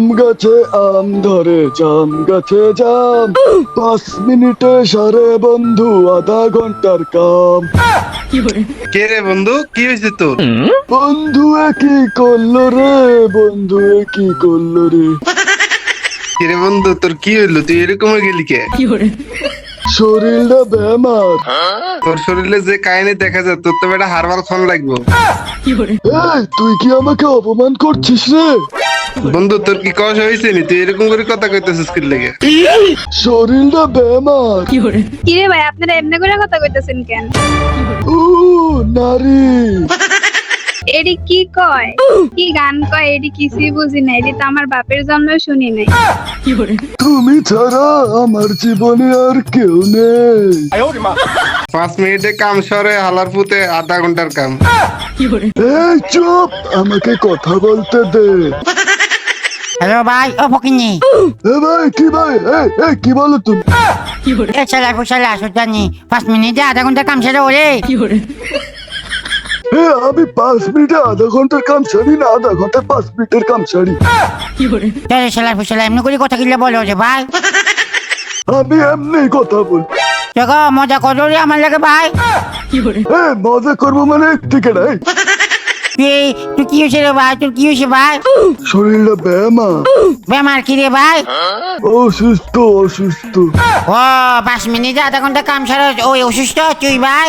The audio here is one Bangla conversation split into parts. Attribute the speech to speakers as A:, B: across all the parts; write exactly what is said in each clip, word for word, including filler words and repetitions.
A: আম গাছে আম ধরে জাম গাছে জাম, পাঁচ মিনিটে সারে বন্ধু আধা ঘন্টার কাম।
B: কে রে বন্ধু, কি হয়েছে তোর?
A: বন্ধু এ কি করলো রে, বন্ধু এ কি করলো রে।
B: কে রে বন্ধু, তোর কি হইলো? তুই এরকম হয়ে গেলি কে?
A: শরীরটা বেমার।
B: তোর শরীরে যে কাহিনী দেখা যায়, তোর তো বেটা হারবাল ফোন লাগবো।
A: এই তুই কি আমাকে অপমান করছিস রে?
B: বন্ধু তোর কি কষ হয়েছে নি? তুই এরকম করে কথা কইতেছিস কি লেগে?
A: শরীরটা বেমার।
C: কিরে ভাই, আপনারা এমনি করে কথা কইতেছেন কেন?
A: ও নারী।
C: এডি কি কয়, কি গান কয়, এডি কিছুই বুঝি না। এডি তো আমার বাপের জন্মেও শুনি নাই।
A: তুমি ছাড়া আমার জীবনে আর কেউ নেই।
B: পাঁচ মিনিটে কাম সরে হালার পুতে আধা ঘন্টার কাম।
A: এই চুপ, আমাকে কথা বলতে দে।
D: হ্যালো ভাই, ও ফকিনি
A: এ ভাই কি ভাই, এই এই কি বলো তুমি?
D: এ শালা ফুসালা সুজানি পাঁচ মিনিটে আধা ঘন্টা কাম সেরে ওরে।
A: এ আমি পাঁচ মিনিটে আধা ঘন্টার কাম সারি না, আধা ঘন্টায় পাঁচ মিনিটের কাম সারি।
D: তাহলে শালা ফুসালা এমনি করে কথা কিনলে বলো যে ভাই।
A: আমি এমনি কথা বল।
D: দেখো মজা করো রে আমার লাগে ভাই।
A: এ মজা করবো মানে ঠিক আছে।
D: তুই তুই কি হয়েছে রে ভাই, তোর কি হয়েছে ভাই?
A: শরীরটা বেমার।
D: বেমার কি রে ভাই?
A: অসুস্থ অসুস্থ।
D: ও পাঁচ মিনিটে আধা ঘন্টা কাম সারা ওই অসুস্থ তুই ভাই?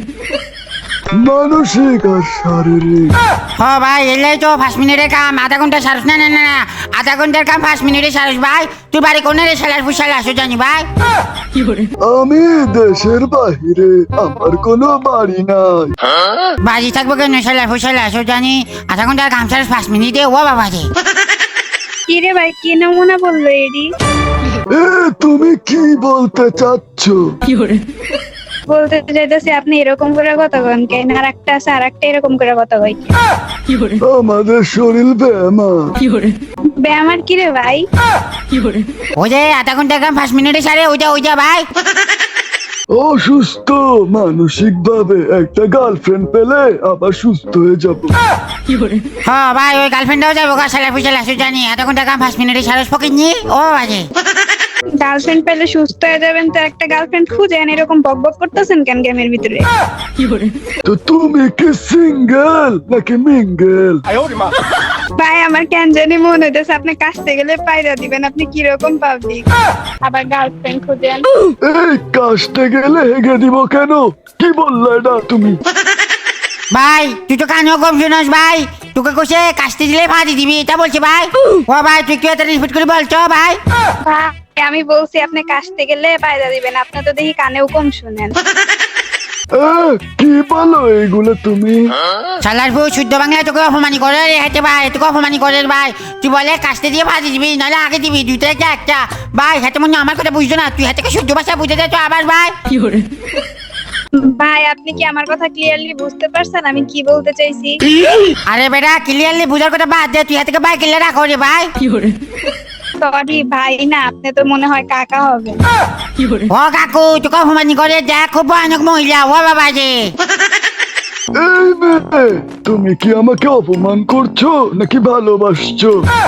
A: মানসিক আর শারীরিক।
D: হ ভাই এলাই তো পাঁচ মিনিটের কাম আধা ঘন্টা সারস না না না না আধা ঘন্টার কাম পাঁচ মিনিটে সারস ভাই। তুই বাড়ি কোনে রে শালার ফুসালা সুজানি ভাই?
A: আমি দেশের বাহিরে, আমার কোনো বাড়ি নাই।
D: বাড়ি থাকবো কেন শালার ফুসালা সুজানি? আধা ঘন্টার কাম সারস পাঁচ মিনিটে, ও বাবা রে।
C: কিরে ভাই, কি নমুনা বললো এডি?
A: এ তুমি কি বলতে চাচ্ছ?
C: বলতে চাইতেছি আপনি এরকম করে কথা কন কেন, আর একটা আছে আর একটা এরকম করে কথা কই।
A: আমাদের শরীর বেমার।
C: ব্যায়ামার কিরে ভাই?
D: ওই যে আধা ঘন্টার কাম পাঁচ মিনিটে সারে ওইটা ওইটা ভাই।
A: অসুস্থ মানসিক ভাবে, একটা গার্লফ্রেন্ড পেলে আবার সুস্থ হয়ে যাবো।
D: হ্যাঁ ভাই, ওই গার্লফ্রেন্ডও যাবো গা শালার ফুসালা সুজানি। আধা ঘন্টার কাম পাঁচ মিনিটে সারস ফকিনি, ও বাজে।
C: গার্লফ্রেন্ড পেলে সুস্থ হয়ে যাবেন তো একটা গার্লফ্রেন্ড খুঁজেন, এরকম বক বক করতেছেন কেন গেমের ভিতরে?
A: তো তুমি কি সিঙ্গেল নাকি মিঙ্গেল?
C: ভাই আমার কেন জানি মনে হইতেছে আপনি কাছতে গেলে পায়রা দিবেন। আপনি কিরকম পাবলিক, আবার গার্লফ্রেন্ড খুঁজেন।
A: এই কাজটা গেলে হেগে দিব কেন? কি বললে এটা তুমি?
D: ভাই তুই তো কানেও কম শুনস ভাই। তোকে কোসে কাস্তে দিলে ফাঁদি দিবি এটা বলছে ভাই। ও ভাই তুই কি এত রিপিট করে বলছো ভাই?
C: ভাই আমি বলছি আপনি কাছতে গেলে পায়রা দিবেন, আপনি তো দেখি কানেও কম শুনেন।
A: এ, কি বলো এইগুলো তুমি?
D: শালার বউ শুদ্ধ বাংলায় তোকে অপমানি করে রে হেঁটে ভাই, তোকে অপমানি করে রে ভাই। তুই বলে কাস্তে দিয়ে ফাঁদি দিবি নাহলে আগে দিবি, দুইটা একটা একটা ভাই। হাতে মনে হয় আমার কথা বুঝতো না, তুই হাতে শুদ্ধ ভাষা বুঝে দে তো আবার ভাই।
C: ভাই আপনি কি আমার কথা ক্লিয়ারলি বুঝতে পারছেন আমি কি বলতে চাইছি?
D: আরে বেটা ক্লিয়ারলি বুঝার কথা বাদ দে, তুই হাতে ভাই ক্লিয়ার রাখো রে ভাই।
C: সরি ভাই, না আপনি তো মনে হয় কাকা হবে।
D: ও কাকু তোকে অপমানি করে দেখ, খুব ভয়ানক মহিলা ও বাবা যে।
A: এই মেয়ে, তুমি কি আমাকে অপমান করছো নাকি ভালোবাসছো?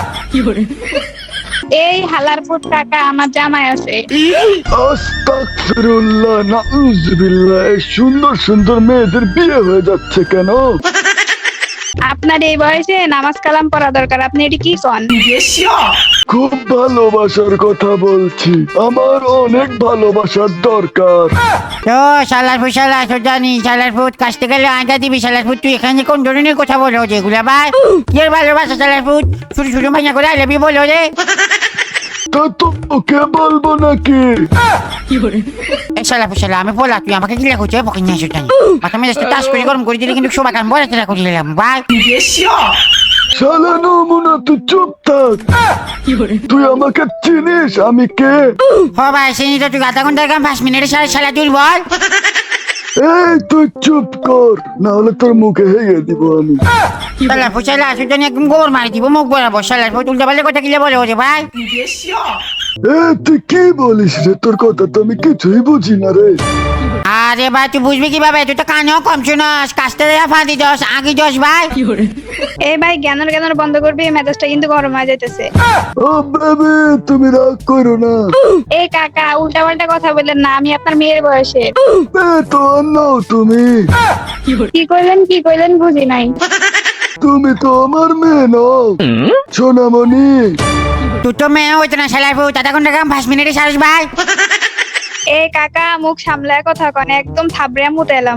C: এই হালারপুর কাকা আমার জামাই আছে।
A: আস্তাগফিরুল্লাহ, নাউযুবিল্লাহ। এই সুন্দর সুন্দর মেয়েদের বিয়ে হয়ে যাচ্ছে কেন?
C: আপনার এই বয়সে নামাজ কালাম পড়া দরকার, আপনি এটি কি কন?
A: খুব ভালোবাসার কথা বলছি, আমার অনেক ভালোবাসার দরকার।
D: তো শালার ফুট শালার জানি শালার ফুট কাছতে গেলে আঁকা দিবি শালার ফুট। তুই এখানে কোন ধরনের কথা বলো যেগুলা ভাই? কি আর ভালোবাসা শালার ফুট? ছোট ছোট ভাইয়া করে আইলাবি বলো রে।
A: তা তো ওকে বলবো নাকি?
D: এই শালা ফুট শালা আমি বলা, তুই আমাকে গিলা করছে পকে নিয়ে আসো জানি। মাথা মেজাজটা টাচ করে গরম করে দিলে কিন্তু সবাই কান বলা চেলা করে দিলাম ভাই।
A: শালা নমুনা, তুই চুপ থাক। তুই আমাকে চিনিস আমি কে?
D: হ ভাই সেই তো তুই আধা ঘন্টার কাম পাঁচ মিনিটে সাড়ে শালা তুই বল।
A: এই তুই চুপ কর, না হলে তোর মুখে হেগে দিব আমি।
D: শালা ফুট শালা আসো জানি একদম গোবর মারি দিব মুখ বরাবর। শালার ফুট উল্টা পাল্টা কথা গিলে বলো রে ভাই।
A: এ তুই কি বলিস রে? তোর কথা তো আমি কিছুই বুঝি না রে।
D: আরে ভাই তুই বুঝবি কিভাবে, তুই তো কানেও কম শুনস, কাছতে দেয়া ফাঁদি দশ আগে দশ ভাই।
C: এই ভাই জ্ঞানের জ্ঞানের বন্ধ করবি, মেজাজটা কিন্তু গরম হয়ে যাইতেছে।
A: ও বেবি তুমি রাগ করো না।
C: এই কাকা উল্টা পাল্টা কথা বললেন না, আমি আপনার মেয়ের বয়সে।
A: এ তো নাও তুমি,
C: কি কইলেন কি কইলেন বুঝি নাই।
A: তুমি তো আমার মেয়ে নও সোনামণি।
D: তুই তো মেয়ে হইতো না শালার বউ, দাদা ঘন্টা কাম পাঁচ মিনিটে সারস ভাই।
C: এই কাকা মুখ সামলায় কথা কন, একদম থাবড়ে মুতে এলাম।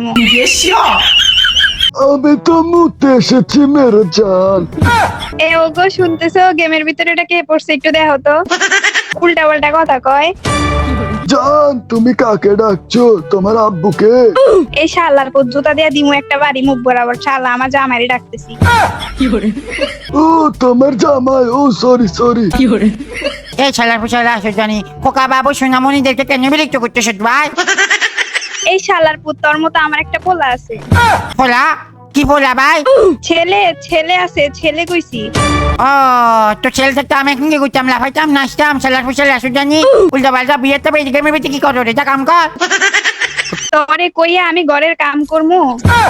A: আমি তো মুতে এসেছি মেরে জান।
C: এ ওগো শুনতেছো, গেমের ভিতরে এটা কে পড়ছে একটু দেখো তো। উল্টা পাল্টা কথা কয়।
A: জান তুমি কাকে ডাকছো? তোমার আব্বুকে?
C: এই শালার পর জুতা দিয়া দিমু একটা বাড়ি মুখ বরাবর। শালা আমার জামাইরে ডাকতেছি।
A: ও তোমার জামাই, ও সরি সরি।
D: এই শালার ফুসালা আসো জানি, খোকা বাবু সোনামণিদেরকে কেন বিরক্ত করতেছ ভাই?
C: এই শালার পুত তোর মতো আমার একটা পোলা আছে।
D: বলা কি বলা ভাই?
C: ছেলে ছেলে আছে, ছেলে কইছি।
D: ও তো ছেলে থাকতে আমি এখন কি করতাম, লাফাইতাম নাচতাম, শালার ফুসালা আসো জানি। উল্টা পাল্টা বিয়ের তো বেরিয়ে গেমের ভিতরে কি করো রে, যা কাম কর।
C: তোরে কইয়া আমি ঘরের কাম করমু।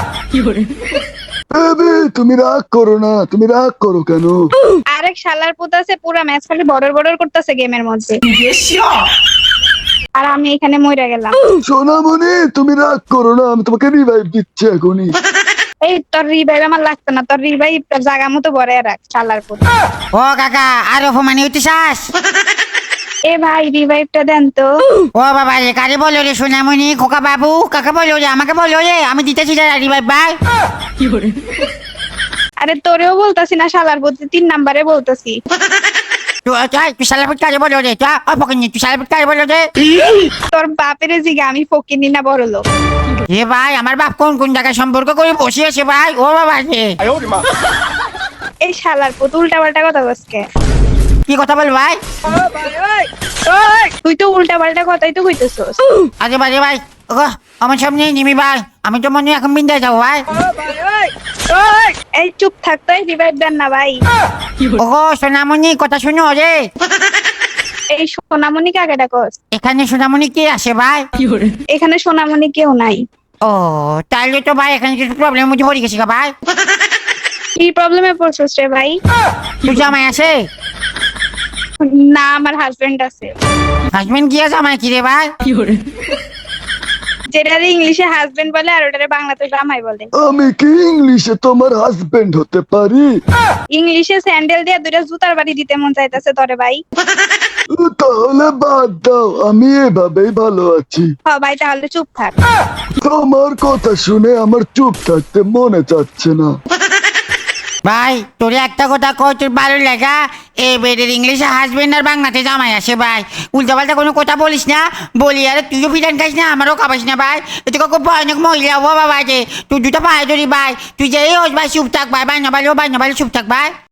A: বেবি তুমি রাগ করো না, তুমি রাগ করো কেন?
C: আরেক শালার পুত আছে, পুরা ম্যাচ খালি বর্ডর বর্ডর করতেছে গেমের মধ্যে। আর আমি এখানে মইরা গেলাম।
A: সোনামণি তুমি রাগ করো না, আমি তোমাকে রিভাইভ দিচ্ছি এখনই।
C: এই তোর রিভাইভ আমার লাগতো না, তোর রিভাইভ জায়গা মতো বড় রাখ শালার পুত।
D: ও কাকা আর অপমানি হইতে চাস?
C: এ ভাই রিভাইভটা দেন তো।
D: ও বাবা রে, কারে বলো রে সোনামণি, খোকা বাবু কাকে বলো রে, আমাকে বলো রে, আমি দিতেছি রে ভাই ভাই।
C: আরে তোরেও বলতাছি না শালার পুত, তিন নাম্বারে বলতাছি।
D: তুই চাই তুই শালার পুত কারে বলো রে, চা ও পকিনি তুই শালার পুত কারে বলো রে।
C: তোর বাপের জিগা আমি ফকিনি না বড় লোক।
D: এ ভাই আমার বাপ কোন কোন জায়গায় সম্পর্ক করে বসে আছে ভাই, ও বাবা রে।
C: এই শালার পুত উল্টা পাল্টা কথা বলছে।
D: কি কথা বল ভাই?
C: তুই তো উল্টা পাল্টা কথাই তো কইতেছস।
D: আরে ভাই রে ভাই, ও আমার সামনে নিমি ভাই, আমি তো মনে হয় এখন বিন্দায় যাবো ভাই।
C: এই চুপ থাক তো, রিভাইভ দেন না ভাই।
D: ও সোনামণি কথা শুনো রে।
C: এই সোনামণি কাকে ডাকস?
D: এখানে সোনামণি কে আসে ভাই?
C: এখানে সোনামণি কেউ নাই।
D: ও তাহলে তো ভাই এখানে কিছু প্রবলেম মধ্যে পড়ে গেছি গা ভাই।
C: কি প্রবলেমে পড়ছস রে ভাই?
D: তুই জামাই আছে?
C: না আমার হাজবেন্ড আছে।
D: হাজবেন্ড কি আছে, জামাই কি রে ভাই?
C: যেটা ইংলিশে হাজবেন্ড বলে আর ওটারে বাংলাতে জামাই বলে।
A: আমি কি ইংলিশে তোমার হাজবেন্ড হতে পারি?
C: ইংলিশে স্যান্ডেল দিয়ে দুইটা জুতার বাড়ি দিতে মন চাইতেছে তোরে ভাই।
A: তাহলে বাদ দাও, আমি এভাবেই ভালো আছি।
C: হ ভাই তাহলে চুপ থাক।
A: তোমার কথা শুনে আমার চুপ থাকতে মনে চাচ্ছে না।
D: ভাই তোর একটা কথা কই, তোর ভালো লাগা এই বেডের ইংলিশে হাজবেন্ড আর বাংলাতে জামাই আসে ভাই। উল্টা পাল্টা কোনো কথা বলিস না, বলি আরে তুইও বিধান খাইস না, আমারও খাবাস না ভাই। এতে খুব ভয়ানক মহিলা ও বাবা যে তুই দুটো পায়ে ধরি ভাই, তুই যে এই হোস ভাই চুপ থাক ভাই, ভাই না ভাই ও ভাই না ভাই চুপ থাক ভাই।